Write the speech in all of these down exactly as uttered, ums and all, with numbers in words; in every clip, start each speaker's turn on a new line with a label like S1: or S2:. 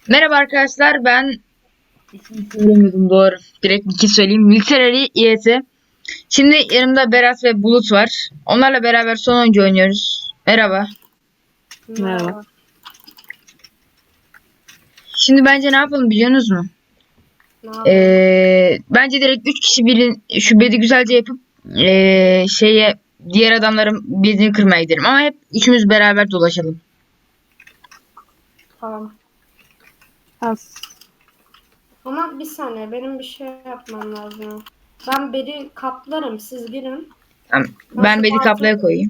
S1: Merhaba arkadaşlar, ben ismini söylemiyordum, doğru. Direkt iki söyleyeyim. Military E S. Şimdi yanımda Berat ve Bulut var. Onlarla beraber son oyuncu oynuyoruz. Merhaba.
S2: Merhaba.
S1: Şimdi bence ne yapalım biliyorsunuz mu?
S2: Ne yapalım?
S1: Ee, bence direkt üç kişi birin şu bedi güzelce yapıp ee, şeye diğer adamların bedini kırmaya gidelim. Ama hep üçümüz beraber dolaşalım.
S2: Tamam.
S3: Az.
S2: Ama bir saniye benim bir şey yapmam lazım. Ben beri kaplarım, siz girin.
S1: Tamam, ben bedi kaplaya koyayım.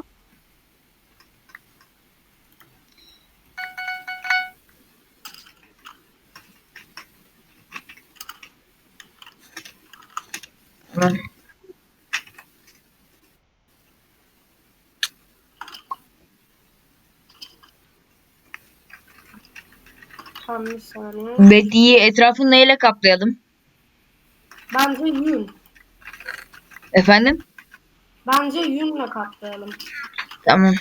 S1: Tamam.
S2: Tamam, bir saniye.
S1: Bediyi etrafını neyle kaplayalım?
S2: Bence yün.
S1: Efendim?
S2: Bence yünle kaplayalım.
S1: Tamam.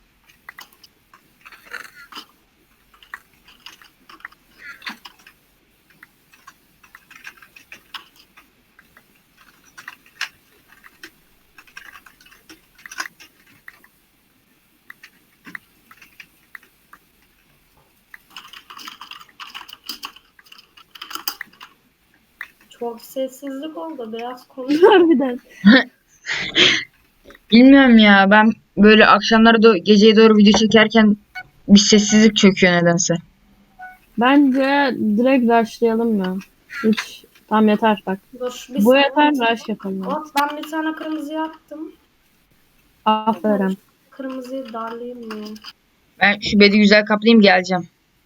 S2: Çok sessizlik oldu. Biraz konuş.
S3: Harbiden.
S1: Bilmiyorum ya, ben böyle akşamları do geceye doğru video çekerken bir sessizlik çöküyor nedense.
S3: Bence direkt rushlayalım ya. Hiç. Tamam yeter bak.
S2: Dur, bir
S3: Bu
S2: saniye.
S3: yeter, rush yapalım.
S2: Hop, ben bir tane kırmızı yaptım.
S3: Aferin.
S2: Kırmızıyı darlayayım mı?
S1: Ben şu bedi güzel kaplayayım, geleceğim.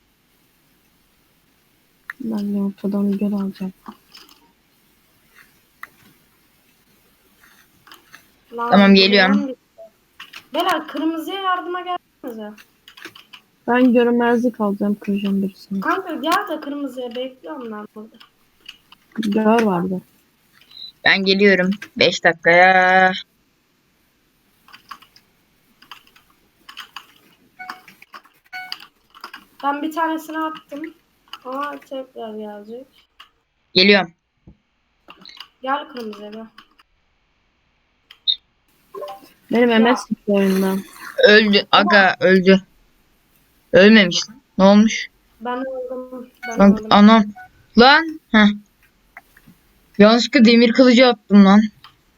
S3: Ben de ortadan göl alacağım.
S2: Lan,
S1: Tamam, geliyorum.
S2: buradan bir- Beyler, kırmızıya yardıma gelsenize.
S3: Ben görünmezlik alacağım, kıracağım birisini.
S2: Kanka gel de kırmızıya, bekliyorum ben burada.
S3: Gör vardı.
S1: Ben geliyorum beş dakikaya.
S2: Ben bir tanesini attım. Ama tekrar gelecek.
S1: Geliyorum.
S2: Gel kırmızıya gel.
S3: Benim M S çıktı oyundan.
S1: Öldü. Aga öldü. Ölmemiş. Ne olmuş?
S2: Ben öldüm. Ben
S1: Lan
S2: öldüm.
S1: anam. Lan. Heh. Yanlışlıkla demir kılıcı attım lan.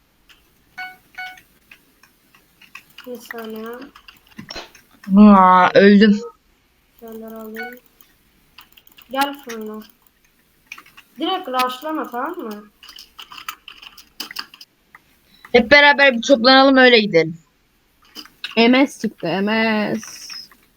S2: Bir saniye.
S1: Aa, öldüm.
S2: Şeyler alayım. Gel fırına. Direkt rushlama, tamam mı?
S1: Hep beraber bir toplanalım, öyle gidelim.
S3: M S çıktı, M S.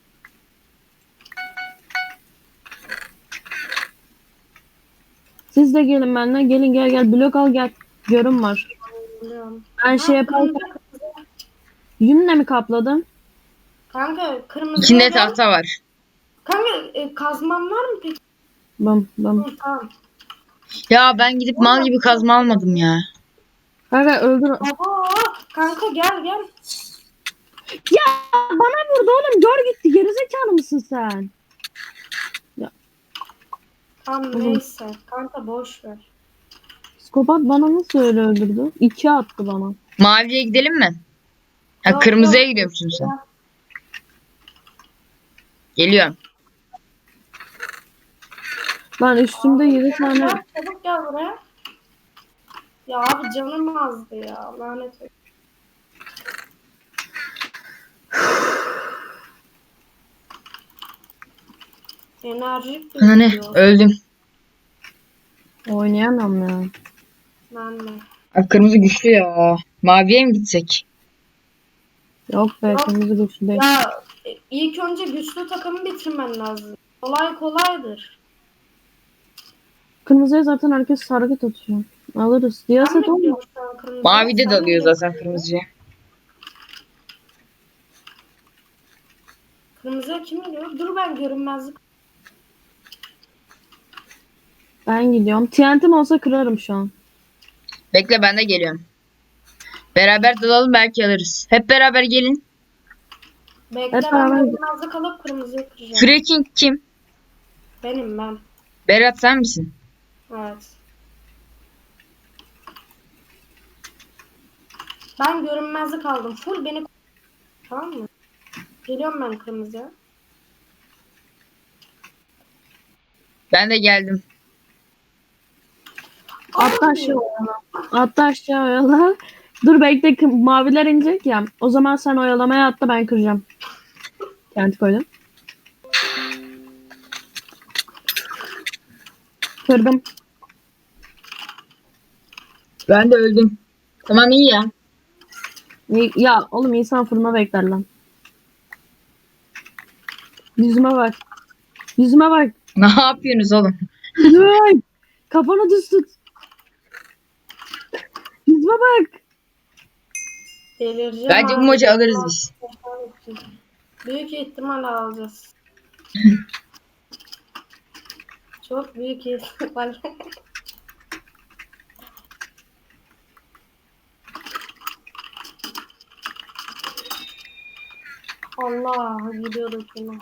S3: Siz de gelin benimle. Gelin gel gel. Blok al gel. Görün var.
S2: Biliyorum.
S3: Ben şey yaparken
S2: Kırmızı-
S3: yünle mi kapladım?
S2: Kanka kırmızıya
S1: İçinde
S2: gel.
S1: tahta var.
S2: Kanka e, kazman var mı peki?
S3: Bım bım.
S2: Hı, tamam.
S1: Ya ben gidip mal gibi kazma almadım ya.
S3: Kanka öldür.
S2: Baba, kanka gel gel.
S3: Ya bana vurdu oğlum. Gör gitti. Gerizekalı mısın sen?
S2: Tamam
S3: Oğlum.
S2: neyse. Kanka boş ver.
S3: Psikopat bana nasıl öyle öldürdü? İki attı bana.
S1: Maviye gidelim mi? Ha,
S2: Yok,
S1: kırmızıya
S2: yok.
S1: gidiyormuşsun sen. Geliyorum.
S3: Lan üstümde yedi tane.
S2: Gel, çabuk gel buraya. Ya abi canım azdı ya. Lanet olsun. Enerjik
S1: Ana ne?
S2: gözüküyor.
S1: Öldüm.
S3: Oynayamam ya.
S2: Ben de.
S1: Abi kırmızı güçlü ya. Maviye mi gitsek?
S3: Yok be
S2: Yok.
S3: kırmızı güçlü değil.
S2: Ya e, ilk önce güçlü takımı bitirmen lazım. Kolay kolaydır.
S3: Kırmızıya zaten herkes hareket atıyor. Alırız.
S2: Ben
S3: Diyaset
S2: mi
S3: olma.
S2: gidiyorum şu an kırmızıya?
S1: Mavide
S2: Sen
S1: dalıyor
S2: mi
S1: zaten
S2: gidiyorsun?
S1: kırmızıya.
S2: Kırmızıya kim gidiyor? Dur, ben görünmezlik.
S3: Ben gidiyorum. T N T'm olsa kırarım şu an.
S1: Bekle, ben de geliyorum. Beraber dalalım, belki alırız. Hep beraber gelin.
S2: Bekle,
S3: Hep
S2: ben
S3: beraber-
S2: görünmezlik alıp kırmızıyı kıracağım.
S1: Fracking kim?
S2: Benim ben.
S1: Berat sen misin?
S2: Evet. Ben görünmezlik aldım. Full beni, tamam mı? Geliyorum ben kırmızıya.
S1: Ben de geldim.
S3: Atla
S2: Abi.
S3: aşağı oyala. Atla aşağı oyala. Dur bekle, kı- maviler inecek ya. O zaman sen oyalamaya atla, ben kıracağım. Kenti koydum. Kırdım.
S1: Ben de öldüm. Tamam iyi ya.
S3: İyi- Ya oğlum, insan fırına bekler lan. Yüzüme bak. Yüzüme bak.
S1: Ne yapıyorsunuz oğlum?
S3: Yüzüme bak. Kafanı düz tut. Yüzüme bak.
S2: Delireceğim
S1: Bence bu
S2: abi.
S1: maçı alırız biz.
S2: Büyük ihtimal alacağız. Çok büyük ihtimal. Allah, gidiyorduk yine.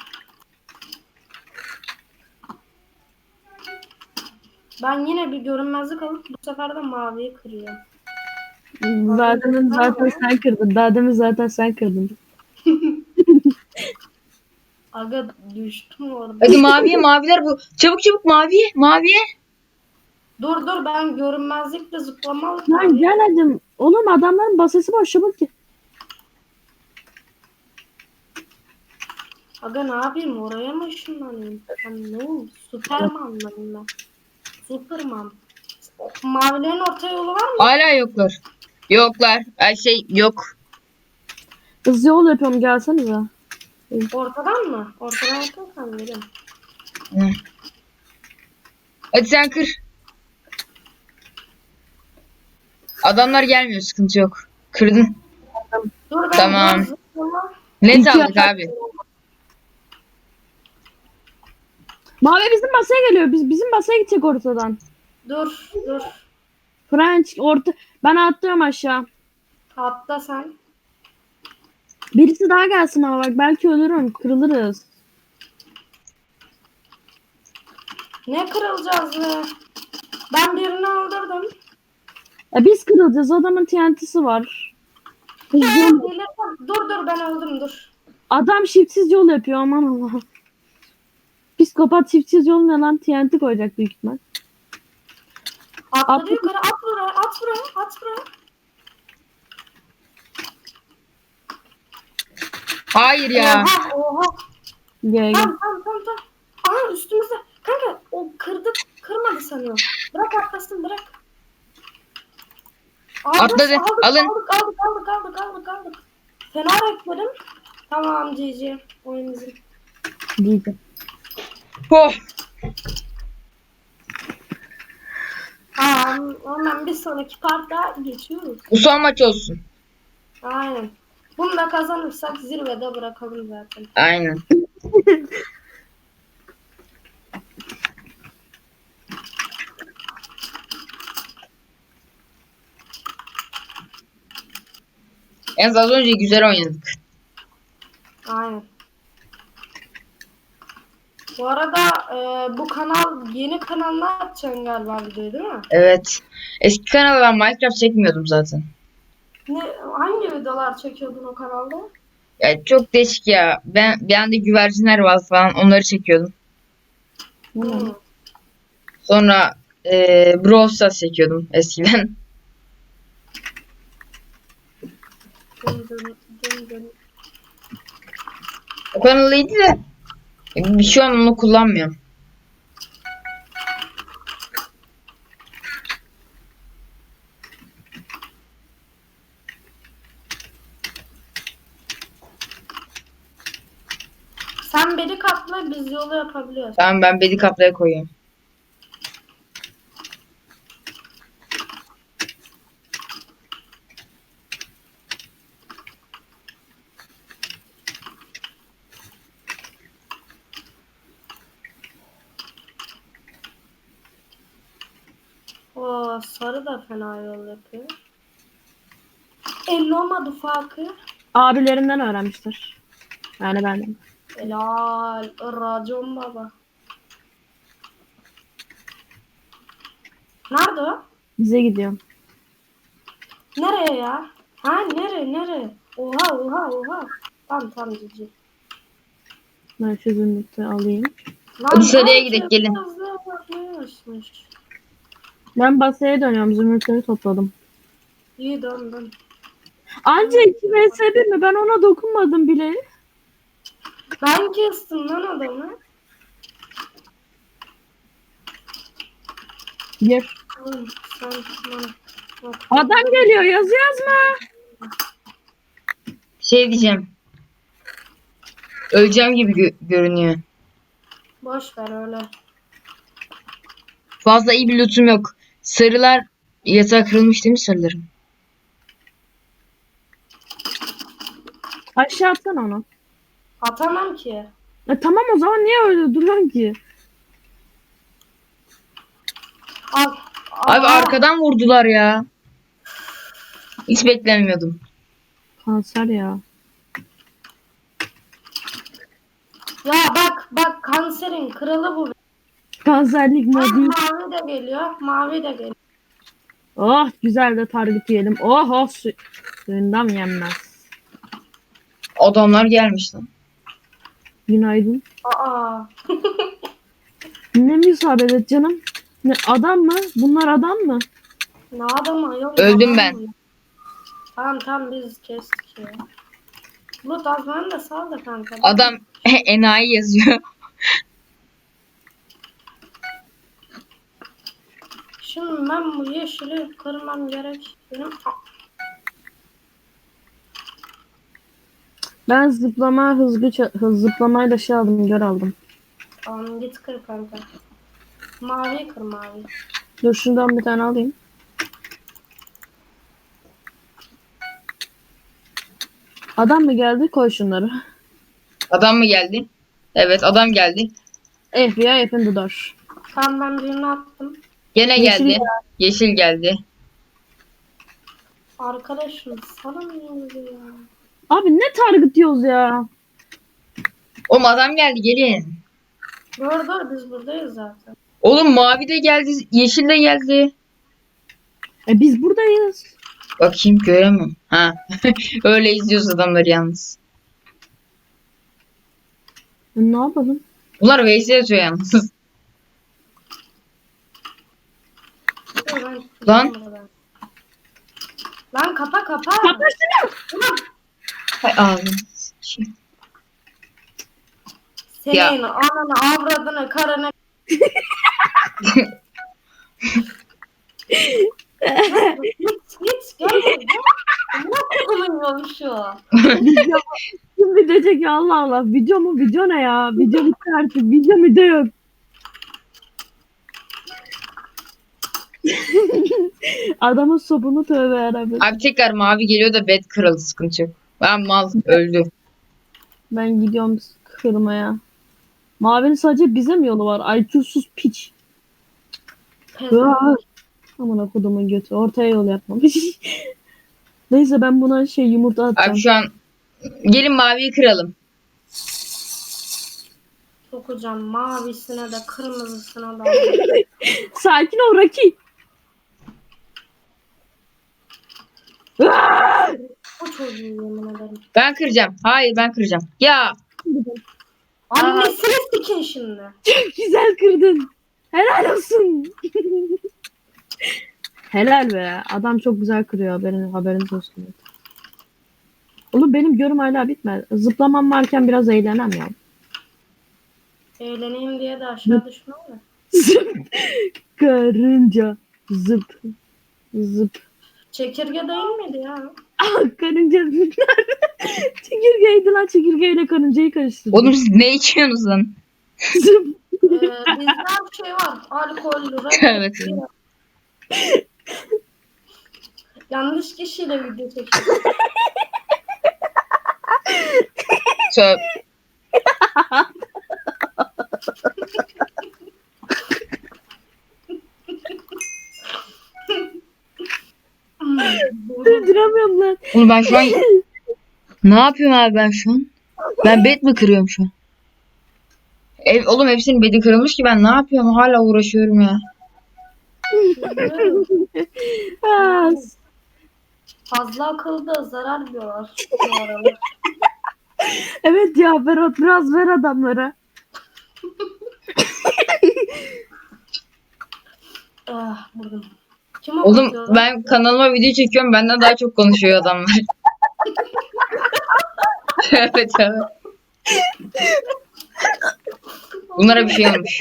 S2: Ben yine bir görünmezlik alıp bu sefer de maviyi kırıyorum.
S3: Zaten zaten sen kırdın. Daha demin zaten sen kırdın.
S2: Aga düştüm orada.
S1: Hadi maviye maviler bu. Çabuk çabuk maviye maviye.
S2: Dur dur, ben görünmezlikle zıplamalı.
S3: Lan gel hadi. Oğlum adamların basesi boş, çabuk ki.
S2: Aga ne yapayım, oraya mı ışınlanayım? Ben ne oldu? Süperman'ım ben. Superman. Mavilerin orta yolu var mı?
S1: Hala yoklar. Yoklar. Ay şey yok.
S3: Hızlı yol yapıyorum, gelsenize.
S2: Ortadan mı? Ortadan yapıyorsan verin.
S1: Hı. Hadi sen kır. Adamlar gelmiyor, sıkıntı yok. Kırdın.
S2: Dur ben
S1: Tamam.
S2: biraz zıplama.
S1: Net
S3: İki
S1: aldık
S3: atak-
S1: abi.
S3: Mavi bizim basaya geliyor. Biz bizim basaya gidecek ortadan.
S2: Dur dur.
S3: French orta. Ben atlıyorum aşağı.
S2: Atla sen.
S3: Birisi daha gelsin ama bak, belki ölürüm. Kırılırız.
S2: Ne kırılacağız be? Ben birini öldürdüm.
S3: Ya biz kırılacağız. Adamın T N T'si var. Hızlı yol-
S2: Delirdim. Dur dur, ben öldüm dur.
S3: Adam shiftsiz yol yapıyor, aman Allah. Psikopat shiftsiz yol ne lan? T N T koyacak büyük ihtimal.
S2: Atladı
S3: Atla.
S2: yukarı, at buraya, at buraya, at buraya.
S1: Hayır ya.
S2: Oha oha.
S3: Gel gel.
S2: Tamam tamam tamam tamam. Aha üstümüzde. Kanka o kırdı, kırmadı sanıyorum. Bırak atlasın, bırak. Aldık,
S1: Atladı,
S2: Aldık,
S1: alın.
S2: Aldık aldık aldık aldık aldık aldık. Fena reklerim. Tamam G G. Oyun bizim.
S3: Diyeceğim.
S1: Oh.
S2: Tamam. Hemen bir sonraki parta geçiyoruz.
S1: Bu son maç olsun.
S2: Aynen. Bunu da kazanırsak zirvede bırakalım zaten.
S1: Aynen. En az önce güzel oynadık.
S2: Aynen. Bu arada e, bu kanal, yeni kanalına atacaksın galiba videoyu değil mi?
S1: Evet. Eski kanalda ben Minecraft çekmiyordum zaten.
S2: Ne, hangi videolar çekiyordun o kanalda?
S1: Ya çok değişik ya. Ben bir anda güvercinler var falan, onları çekiyordum.
S2: Hmm.
S1: Sonra eee Brawl Stars çekiyordum eskiden.
S2: Dın dın dın dın.
S1: O kanal iyiydi de e, şu an onu kullanmıyorum.
S2: Sen beni katla, biz yolu yapabiliyoruz.
S1: Tamam, ben bedi kaplaya koyuyorum.
S2: Oo, sarı da fena yol yapıyor. Elli olmadı farkı.
S3: Abilerinden öğrenmiştir. Yani benden.
S2: Helal. Racon baba. Nerede o?
S3: Bize gidiyorum.
S2: Nereye ya? Ha nereye nereye? Oha oha oha. Tamam tamam cici.
S3: Ben şu zümrütü alayım.
S2: Lan
S1: Hadi seriye
S2: herkes
S1: gidelim, gelin.
S2: hızlı bakıyormuş.
S3: Ben basaya dönüyorum. Zümrütleri topladım.
S2: İyi döndüm.
S3: Anca iki vs bir mi? Ben ona dokunmadım bile.
S2: Ben kestim lan adamı.
S3: Gir.
S2: Oğlum, sen bana bak.
S3: Adam geliyor. Yazı yazma.
S1: Şey diyeceğim. Öleceğim gibi gö- görünüyor.
S2: Boş ver öyle.
S1: Fazla iyi bir lootum yok. Sarılar yatağa kırılmış değil mi sarılarım?
S3: Aşağı atsana onu.
S2: Atamam ki.
S3: E, tamam o zaman niye öyle duruyorsun ki?
S2: Al.
S1: Abi
S2: Aa,
S1: arkadan vurdular ya. Hiç beklemiyordum.
S3: Kanser ya.
S2: Ya bak bak kanserin kralı bu.
S3: Kanserlik
S2: Ha,
S3: modu.
S2: mavi de geliyor. Mavi de geliyor.
S3: Oh güzel de target yiyelim. Oh oh su suyundan yenmez.
S1: Adamlar gelmiş lan.
S3: Günaydın.
S2: Aa.
S3: Ne müsaade canım? Ne adam mı? Bunlar adam mı?
S2: Ne adamı yok.
S1: Öldüm
S2: adam
S1: ben.
S2: mı? Tamam tamam biz kestik ya. Bulut az bana da sal da kanka.
S1: Adam enayi yazıyor.
S2: Şimdi ben bu yeşili kırmam gerek. Benim
S3: Ben zıplama hızlı ça- hız zıplamayla şey aldım, gör aldım.
S2: Tamam git kır kanka. Mavi kır mavi.
S3: Dur şundan bir tane alayım. Adam mı geldi? Koy şunları.
S1: Adam mı geldi? Evet adam geldi.
S3: F B I open the door.
S2: Tamam ben birini attım.
S1: Gene
S3: Yeşil
S1: geldi. Yeşil geldi.
S2: Arkadaşım salamıyoruz ya.
S3: Abi ne target diyoruz ya?
S1: Oğlum adam geldi, gelin.
S2: Dur dur biz buradayız zaten.
S1: Oğlum mavi de geldi. Yeşil de geldi.
S3: E biz buradayız.
S1: Bakayım göremem. Ha. Öyle izliyoruz adamları yalnız.
S3: E, ne yapalım?
S1: Bunlar Veysel yazıyor yalnız.
S2: Dur, ben
S1: Lan.
S2: buradan. Lan kapa kapa.
S3: Kapa şunu.
S1: Hay ağzını.
S2: Senin
S1: Ya.
S2: ananı avradını karını. Git git gel gel. Ne kullanıyor şu?
S3: Video kim video çekiyor Allah Allah. Video mu? Video ne ya? Video bitti artık. Video mu de yok. Adamın sopunu tövbe yarabbim.
S1: Abi tekrar mavi geliyor da bed kırıldı, sıkıntı yok. Ben mal öldü.
S3: Ben gidiyorum kırmaya. Mavinin sadece bize mi yolu var? I Q'suz piç.
S2: Pezevenk.
S3: Aman kodumun götü. Ortaya yol yapmamış. Neyse ben buna şey yumurta atacağım.
S1: Abi şu an gelin maviyi kıralım.
S2: Sokacağım mavisine de kırmızısına da.
S3: Sakin ol Raki.
S2: Bu çocuğu yemin ederim.
S1: Ben kıracağım. Hayır ben kıracağım. Ya
S2: Annesini sikin şimdi.
S3: Güzel kırdın. Helal olsun. Helal be. Adam çok güzel kırıyor. Haberin, haberiniz olsun. Oğlum benim görüm hala bitmedi. Zıplamam varken biraz eğlenem ya.
S2: Eğleneyim diye de aşağı düşme mi?
S3: Zıp. Karınca. Zıp. Zıp.
S2: Çekirge değil miydi ya?
S3: Ah karınca. Çekirgeydi lan. Çekirgeyle karıncayı karıştırdım.
S1: oğlum siz ne içiyorsunuz lan?
S3: Zıp.
S2: Ee, bizde bir şey var. Alkol,
S1: Evet.
S2: Yanlış kişiyle video çekiyor.
S1: Tövbe.
S3: Durduramıyorum lan.
S1: Oğlum ben şu an ne yapıyorum abi ben şu an? Ben bed mi kırıyorum şu an? Ev, oğlum hepsinin bedi kırılmış ki ben ne yapıyorum? Hala uğraşıyorum ya.
S2: Biliyorum.
S3: Ha,
S2: Fazla akılda zarar diyorlar bu aralar.
S3: evet ya Berat biraz ver adamlara.
S2: Ah, buldum. Kim
S1: Oğlum
S2: anlatıyor lan?
S1: ben kanalıma video çekiyorum. Benden daha çok konuşuyor adamlar. Evet evet. Bunlara bir şey olmuş.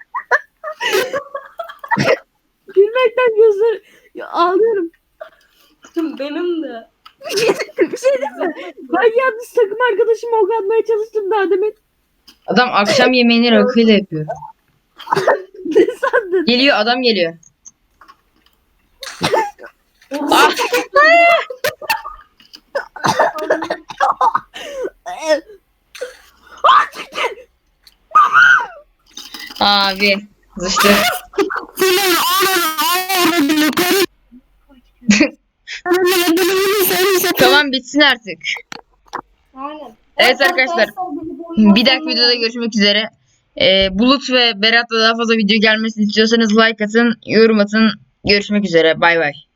S3: Gülmekten gözler ya, ağlıyorum.
S2: Benim de.
S3: Bir şey değil mi? Ben yanlış takım arkadaşıma ok atmaya çalıştım daha demin.
S1: Adam akşam yemeğini rakıyla yapıyor.
S3: Ne sandın?
S1: Geliyor adam geliyor.
S2: Ah!
S1: Abi. Zıştı. Tamam bitsin artık.
S2: Aynen.
S1: Evet arkadaşlar. Bir dahaki videoda görüşmek üzere. Ee, Bulut ve Berat'la daha fazla video gelmesini istiyorsanız like atın, yorum atın. Görüşmek üzere. Bay bay.